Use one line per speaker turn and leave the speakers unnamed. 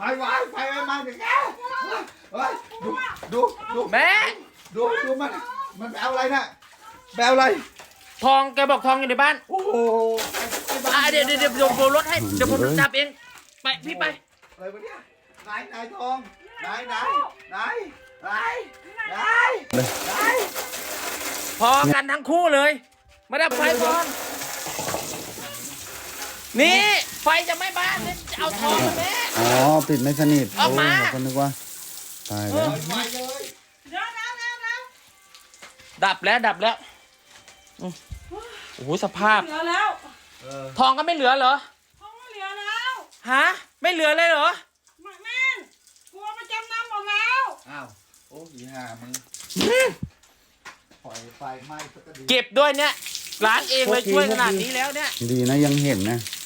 ไฟไม่มาเดี๋ยวแกเฮ้ยดู
แม่
ดูมันไปเอาอะไรน่ะไปเอาอะไร
ทองแกบอกทองอยู่ในบ้าน
โอ้โห
เดี๋ยวผมรถให้เดี๋ยวผมจับเองไปพี่ไป
อะไรวะเนี่ยไหนทองไหน
พอกันทั้งคู่เลยมาดับไฟก่อนนี่ไฟจะไหม้บ้านเนี่ยจะเอาทองมาแม่
อ๋อปิดไม่สนิท
ออกมา
โคนนึกว่าตายแล้ว
ไฟเลย
ดับแล้วโอ้โหสภาพ
เหลือแล้ว
ทองก็ไม่เหลือเหรอ
ท้องไม่เหลือแล้ว
ฮะไม่เหลือเลยเหรอ
แม่นกลัวไปจำนำหมดแล้ว
อ้าวโอ้ยห่ามึงปล่อยไฟไหม้สักที
เก็บด้วยเนี่ยล้างเองเลยช่วยขนาดนี้แล้วเนี่ย
ดีนะยังเห็นนะ